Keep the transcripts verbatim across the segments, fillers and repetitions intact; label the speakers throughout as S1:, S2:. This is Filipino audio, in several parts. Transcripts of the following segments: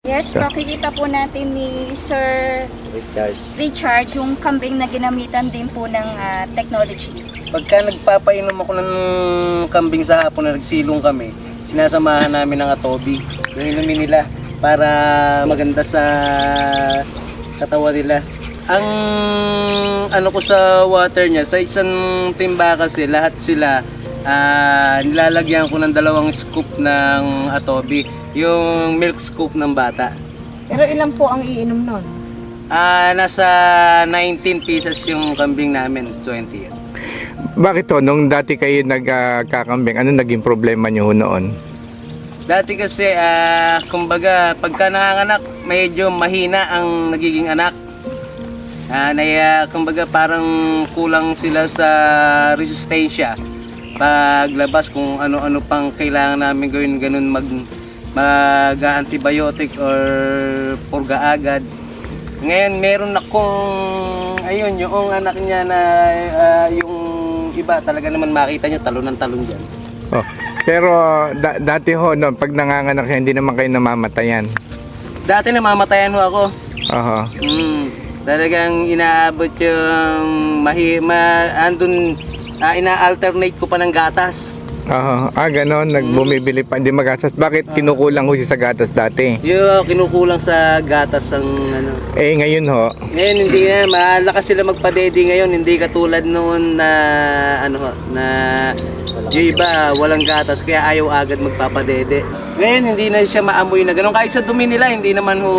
S1: Yes, makikita po natin ni Sir
S2: Richard.
S1: Richard yung kambing na ginamitan din po ng ah, technology.
S3: Pagka nagpapainom ako ng kambing sa hapon na nagsilong kami, sinasamahan namin ng atobi. Yung inumin nila para maganda sa katawan nila. Ang ano ko sa water niya, sa isang timba kasi lahat sila ah, nilalagyan ko ng dalawang scoop ng atobi, yung milk scoop ng bata.
S4: Pero ilan po ang iinom nun?
S3: Ah, nasa nineteen pieces yung kambing namin, twenty.
S5: Bakit to? Nung dati kayo nagkakambing, ano naging problema nyo noon?
S3: Dati kasi, ah, kumbaga, pagka nanganganak, medyo mahina ang nagiging anak. Ah, naya, kumbaga, parang kulang sila sa resistensya. Paglabas kung ano-ano pang kailangan namin gawin, ganun mag, mag-antibiotic or purga agad. Ngayon, meron akong, ayun, yung anak niya na, ah, yung iba, talaga naman makita nyo, talon ng talon dyan.
S5: Oh, pero da- dati ho, no, pag nanganganak siya, hindi naman kayo namamatayan.
S3: Dati namamatayan ho ako.
S5: Oho.
S3: Mm, talagang inaabot yung mahi, ma, andun, ah, ina-alternate ko pa ng gatas.
S5: Oho. Ah, ganon. Nagbumibili pa. Hindi magastos. Bakit kinukulang ho siya sa gatas dati?
S3: Yung kinukulang sa gatas ang ano.
S5: Eh, ngayon ho.
S3: Ngayon hindi na, malakas sila magpadede ngayon, hindi katulad noon na ano ho, na yung iba walang gatas kaya ayaw agad magpapadede. Ngayon hindi na siya maamoy na ganun. Kahit sa dumi nila hindi naman ho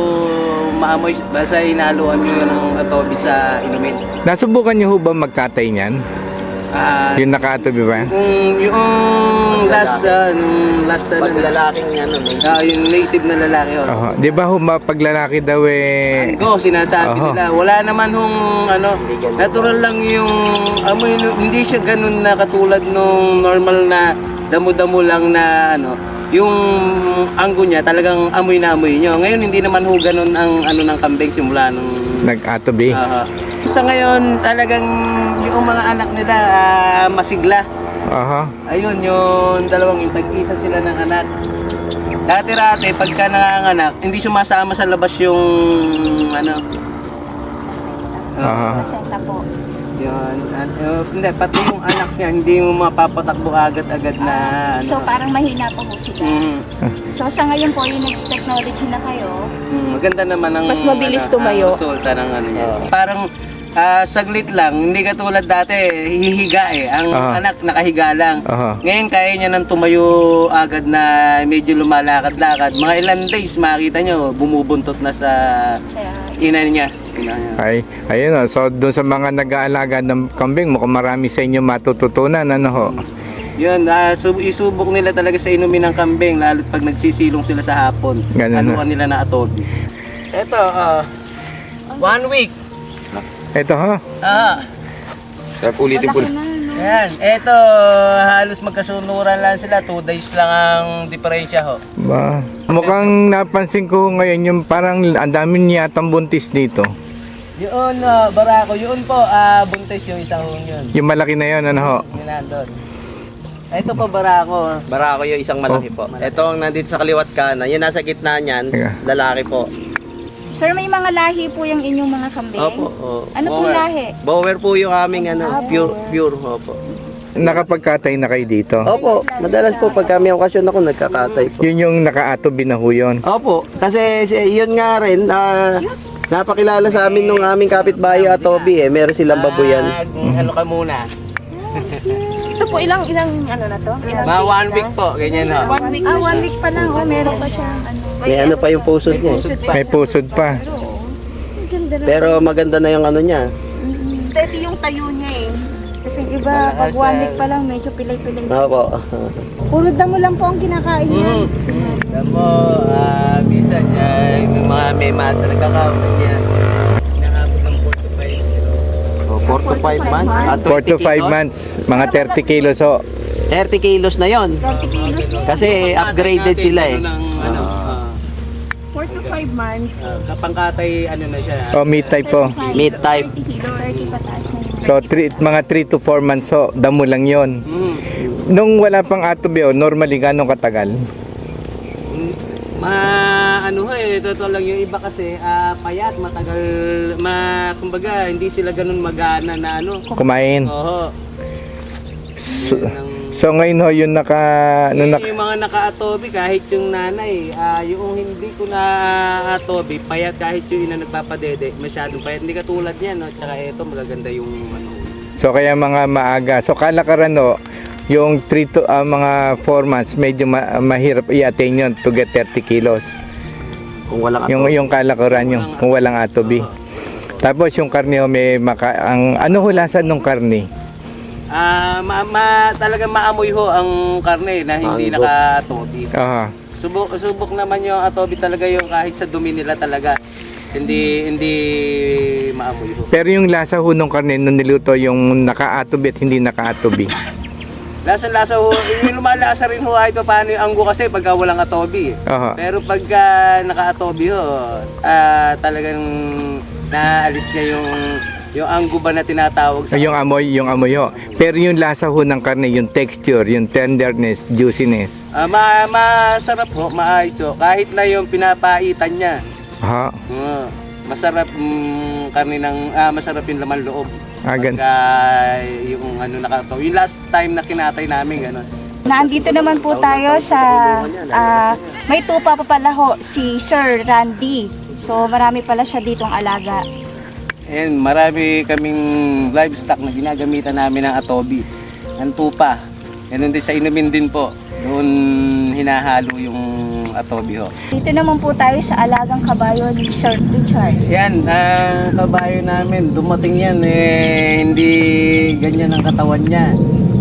S3: maamoy, basta inaluan nyo yun ng atobi sa inumin.
S5: Nasubukan niyo ho ba magkatay niyan?
S3: Ah,
S5: Yung nakatobi ba?
S3: yung, yung last, uh, yung last, ano,
S2: Pag lalaking ano, may
S3: ah, yung native na lalaki ho.
S5: Oho. Di ba ho, ma- pag lalaki daw eh...
S3: Go, sinasabi
S5: Oho.
S3: nila. Wala naman hong ano, natural lang yung amoy, hindi siya ganun na katulad nung normal na damo-damo lang na ano, yung anggo niya talagang amoy na amoy nyo. Ngayon hindi naman ho ganun ang ano ng kambing simula nung
S5: Nag-atobi.
S3: uh, sa ngayon talagang yung mga anak nila ah, masigla.
S5: Oho.
S3: Ayun, yung dalawang yung tag-isa sila ng anak. Dati-rati, pagka nanganganak, hindi sumasama sa labas yung ano.
S5: Aha.
S1: Pasenta po.
S3: Yun. At, uh, hindi, pati yung anak niya, hindi mo mapapatakbo agad-agad na ano.
S1: So parang mahina pa po sila.
S3: Mm,
S1: So sa ngayon po yung nag-technology na kayo,
S3: mm, maganda naman ang
S4: Mas mabilis
S3: ano,
S4: tumayo.
S3: ang resulta ng ano niya. Parang ah, saglit lang, hindi katulad dati, hihiga eh. Ang
S5: Aha.
S3: anak nakahiga lang.
S5: Aha.
S3: Ngayon kaya niya nang tumayo agad na medyo lumalakad-lakad. Mga ilan days makita nyo, bumubuntot na sa
S1: sa
S3: ina niya. Ina niya.
S5: Ay, ayun o. So, doon sa mga nag-aalaga ng kambing, mukhang marami sa inyo matututunan, ano ho?
S3: Yun, ah, sub- isubok nila talaga sa inumin ng kambing, lalo't pag nagsisilong sila sa hapon.
S5: Ganun
S3: Anuan nila na atobi. Ito, ah, one week.
S5: Ito ho.
S3: Ah,
S2: Sarap ulitin po.
S1: malaki na, no?
S3: ayan. Ito, halos magkasunuran lang sila. Two days lang ang diferensya ho.
S5: Ba. Mukhang napansin ko ngayon yung parang ang dami niya yatang buntis dito.
S3: Yun, ah, barako. Yun po, ah, buntis yung isang hong yun.
S5: Yung malaki na yun, ano ho?
S3: Yun nandun. Ito po, barako.
S2: Barako yung isang malaki po. Ito ang nandito sa kaliwat kanan. Yung nasa gitna niyan,
S5: Teka.
S2: lalaki po.
S1: Sir, may mga lahi po yung inyong mga kambing?
S2: Opo. Oh.
S1: Ano pong lahi?
S2: Bower po yung aming ano, pure, pure. Opo.
S5: Nakapagkatay na kayo dito.
S2: Opo, madalas po pag kami okasyon ako nagkakatay po.
S5: Yun yung naka-atobi na ho yun.
S2: Opo, kasi si- yun nga rin, ah, napakilala sa amin nung aming kapitbahay at Toby eh, meron silang babuyan.
S3: Ah, ano ka muna?
S4: Ito po ilang ilang ano na to? Ilang
S3: Mga
S4: days
S3: one
S4: na?
S3: week po, ganyan ho.
S4: One week
S1: Ah,
S4: na
S1: one
S4: siya.
S1: week pa lang. Oh, meron pa siyang ano.
S2: May ano pa yung puso niya. eh.
S5: May pusod pa.
S4: Ang ganda na.
S2: Pero maganda na yung ano niya.
S4: Steady yung tayo niya eh.
S1: Kasi yung iba, pag one week pa lang, medyo pilay-pilay.
S2: Opo.
S1: Puro damo lang po ang kinakain niya.
S3: Mm. Alam mo, ah, minsan niya, may mga may mata nagkakaroon niya. Nakabot ng four to five kilo.
S2: four to five months. At
S5: four to five months. Mga thirty kilos ho.
S2: thirty kilos na yon.
S1: thirty kilos na.
S2: Kasi upgraded sila eh.
S3: Ano ng, ano, ah,
S4: four to five months.
S3: ah, kapangkatay, ano na siya.
S5: O meat type po.
S2: Meat type.
S1: thirty kilos. thirty pataas na yun.
S5: So three, mga three to four months ho. Damo lang yon.
S3: Mm.
S5: Nung wala pang atobi ho, normally ganong katagal?
S3: Ma, ano ho eh, totoo lang yung iba kasi ah, payat, matagal, ma, kumbaga hindi sila ganun magana na ano.
S5: Kumain.
S3: Oo.
S5: So,
S3: Yun ang-
S5: so ngayon ho, yung naka... Ano,
S3: Eh,
S5: naka
S3: yung mga naka-atobi, kahit yung nanay, ah, yung hindi ko na atobi, payat kahit yung ina nagpapadede, masyadong payat. Hindi katulad niya, no? Tsaka ito, magaganda yung ano.
S5: so kaya mga maaga. So kalakaran ho, yung three to ah, mga four months, medyo ma- mahirap i-attain yun to get thirty kilos.
S2: Kung walang
S5: Yung yung kalakaran yung kung walang atobi. Tapos yung karne ho, may maka, ang ano ho lasa ng karne?
S3: Ah, ma, ma, talagang maamoy ho ang karne na hindi
S2: Mango.
S3: naka-atobi.
S5: Aha.
S3: Subok, subok naman yung atobi talaga yung kahit sa dumi nila talaga. Hindi hindi maamoy ho.
S5: Pero yung lasa ho ng karne nung niluto yung naka-atobi at hindi naka-atobi.
S3: Lasa-lasa ho, yung lumalasa rin ho kahit paano yung anggo kasi pagka walang atobi.
S5: Aha.
S3: Pero pagka naka-atobi ho, ah, talagang naalis niya yung yung anggo ba na tinatawag sa
S5: Yung amoy, yung amoy ho. Pero yung lasa ho ng karne, yung texture, yung tenderness, juiciness.
S3: Ah, ma masarap ho, maayos ho. Kahit na yung pinapaitan niya.
S5: Aha.
S3: Ah, masarap mm, karne ng ah, masarap yung laman loob.
S5: Ah, gan-
S3: Pagka yung ano nakataw. Yung last time na kinatay namin gano'n.
S1: Naandito naman po tayo sa ah, may tupa pa pala ho si Sir Randy. So marami pala siya ditong alaga.
S3: And marami kaming livestock na ginagamitan namin ng atobi. Ang tupa. Ganun din sa inumin din po. Doon hinahalo yung atobi ho.
S1: Dito naman po tayo sa alagang kabayo ni Sir Richard.
S3: Yan, ang kabayo namin, dumating yan eh, hindi ganyan ang katawan niya.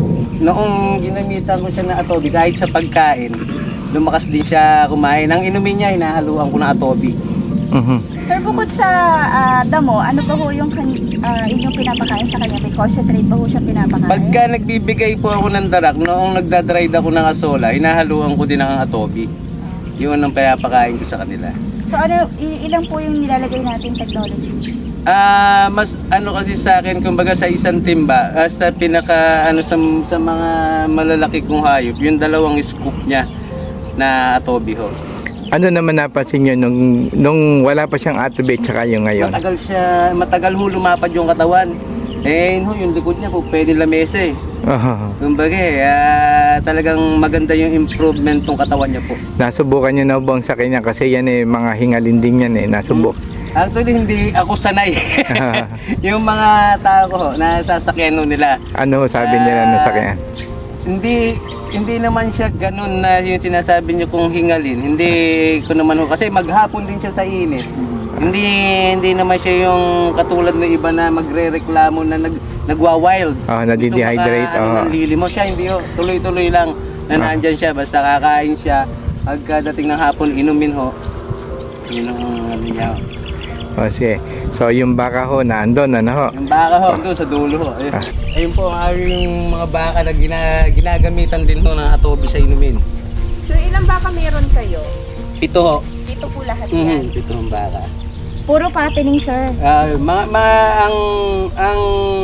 S3: Noong ginamitan ko siya ng atobi, kahit sa pagkain, lumakas din siya kumain. Ang inumin niya, hinahaluan ko ng atobi.
S5: Mhm.
S1: Sir, bukod sa ah, damo, ano pa ho yung kan- ah, inyong pinapakain sa kanya? May concentrate ba ho siya pinapakain?
S3: Pagka nagbibigay po ako ng darak, noong nagdadried ako ng asola, hinahaluan ko din ng atobi. Yun ang pinapakain ko sa kanila.
S1: So ano, i- ilan po yung nilalagay nating technology?
S3: Ah, mas ano kasi sa akin, kumbaga sa isang timba, ah, sa pinaka ano sa, sa mga malalaki kong hayop, yung dalawang scoop niya na atobi ho.
S5: Ano naman napansin nyo nung, nung wala pa siyang atobi tsaka yung ngayon?
S3: Matagal siya, matagal ho lumapad yung katawan. Eh, yun ho, yung likod niya po pwede lamesa eh.
S5: Aha.
S3: Kumbaga, ah, talagang maganda yung improvement ng katawan niya po.
S5: Nasubukan nyo na bang sa kanya kasi yan eh, mga hingalinding yan eh, nasubok.
S3: Actually, hindi ako sanay. Yung mga tao ko ho, na sasakyan ho nila.
S5: Ano ho sabi nila na sa kanya?
S3: Hindi hindi naman siya ganun na yung sinasabi niyo kung hingalin. Hindi ko naman ho kasi maghapon din siya sa init. Hindi hindi naman siya yung katulad ng iba na magrereklamo na nag nagwa-wild.
S5: Oh, nadi-dehydrate.
S3: Gusto maka, ano,
S5: Oh.
S3: ng lili mo siya, hindi ho. Tuloy-tuloy lang na
S5: Ah.
S3: nandyan siya basta kakain siya. Pagkadating ng hapon inumin ho. Yun ang ano niya. ho.
S5: O sige. So yung baka ho na andon ano ho?
S3: Yung baka ho, doon sa dulo ho. Ayun,
S5: Ah.
S3: ayun po ang yung mga baka na gina, ginagamitan din ho ng atobi sa inumin.
S4: So ilang baka meron kayo?
S3: Pito ho.
S1: Dito po lahat
S3: Mhm,
S1: yan.
S3: pito ang baka.
S1: Puro fattening, sir.
S3: Ah, mga, mga ang ang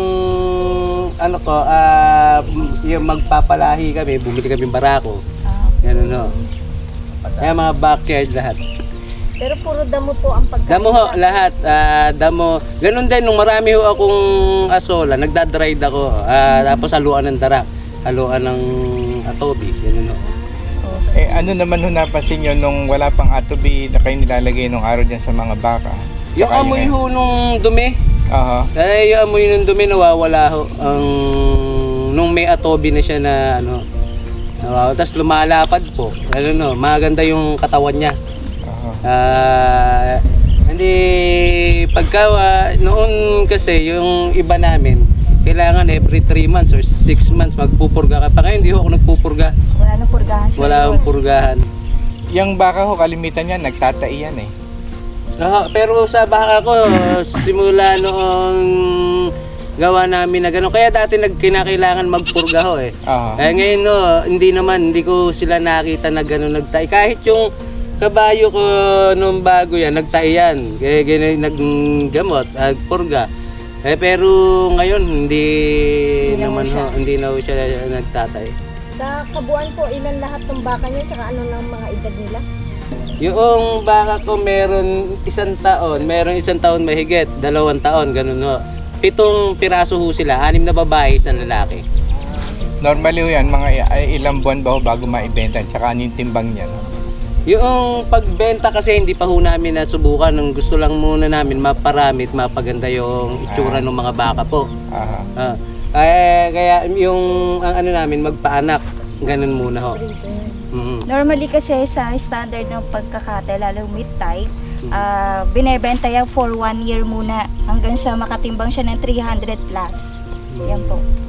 S3: ano ko, ah yung magpapalahi kami, bumili kami barako.
S1: Ah,
S3: Ganun ho. Kaya mga backyard lahat.
S4: Pero puro damo po ang pagkain.
S3: Damo ho, lahat. Ah, damo. Ganun din, nung marami ho akong asola, nagdadrive ako. Ah, tapos haluan ng darak. Haluan ng atobi. Ganun ho.
S5: Eh ano naman ho napansin nyo nung wala pang atobi na kayo nilalagay nung araw dyan sa mga baka?
S3: Yung
S5: Tsaka
S3: amoy
S5: ngayon.
S3: ho nung dumi,
S5: Aha.
S3: eh, yung amoy nung dumi nawawala ho. Ang, nung may atobi na siya na ano, nawawala. Tapos lumalapad po. Ano no, maganda yung katawan niya.
S5: Aha.
S3: Ah, hindi pagka ah, noon kasi yung iba namin kailangan every three months or six months magpupurga ka pa. Ngayon hindi ho ako nagpupurga.
S1: wala nang purgahan, sir.
S3: Wala akong purgahan.
S5: Yung baka ho kalimitan yan nagtatai yan eh.
S3: Ah, pero sa baka ko simula noong gawa namin na gano'n. Kaya dati nagkinakailangan magpurga ho eh.
S5: Aha.
S3: Eh ngayon no, hindi naman, hindi ko sila nakita na gano'n nagtay. Kahit yung kabayo ko nung bago yan, nagtay yan. Kaya gano'n naggamot, nagpurga. Eh pero ngayon hindi,
S1: Hindi na
S3: naman
S1: ho siya.
S3: ho, hindi na ho siya nagtatay.
S4: Sa kabuuan po, ilan lahat ng baka niyo? Tsaka ano ng mga edad nila?
S3: Yung baka ko meron isang taon, meron isang taon mahigit, dalawang taon, ganun ho. Pitong piraso ho sila, anim na babae, isang lalaki.
S5: Normally ho yan, mga i- ay, ilang buwan ba ho bago maibenta? Tsaka ano yung timbang niya? No?
S3: Yung pagbenta kasi hindi pa ho namin nasubukan. Nung gusto lang muna namin maparami at mapaganda yung itsura ng mga baka po.
S5: Aha.
S3: Ah, kaya, kaya yung ang ano namin magpaanak, ganun muna ho. Mhm.
S1: Normally kasi sa standard ng pagkakate, lalo meat type, ah, binebenta yan for one year muna hanggang sa makatimbang siya ng three hundred plus. Yan po.